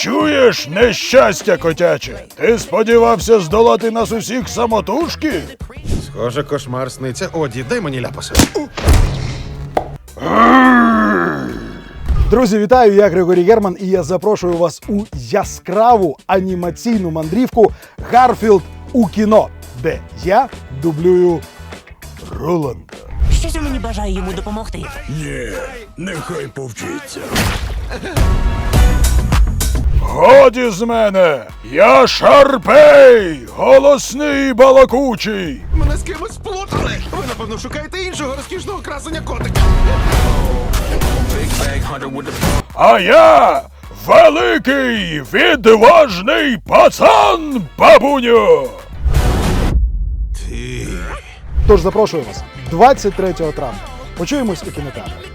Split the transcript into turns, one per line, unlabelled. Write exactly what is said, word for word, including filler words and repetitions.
Чуєш, нещастя котяче? Ти сподівався здолати нас усіх самотужки?
Схоже, кошмар сниться. Оді, дай мені ляпаса.
Друзі, вітаю! Я Григорій Герман, і я запрошую вас у яскраву анімаційну мандрівку «Гарфілд у кіно», де я дублюю Роланда.
Щось у мені бажає йому допомогти.
Ні, нехай повчиться. Годі з мене! Я Шарпей! Голосний і балакучий!
Мене з кимось сплутали! Ви, напевно, шукаєте іншого розкішного красення котика.
А я великий, відважний пацан, бабуню!
Тож запрошую вас двадцять третього травня. Почуємось у кінотеатрі.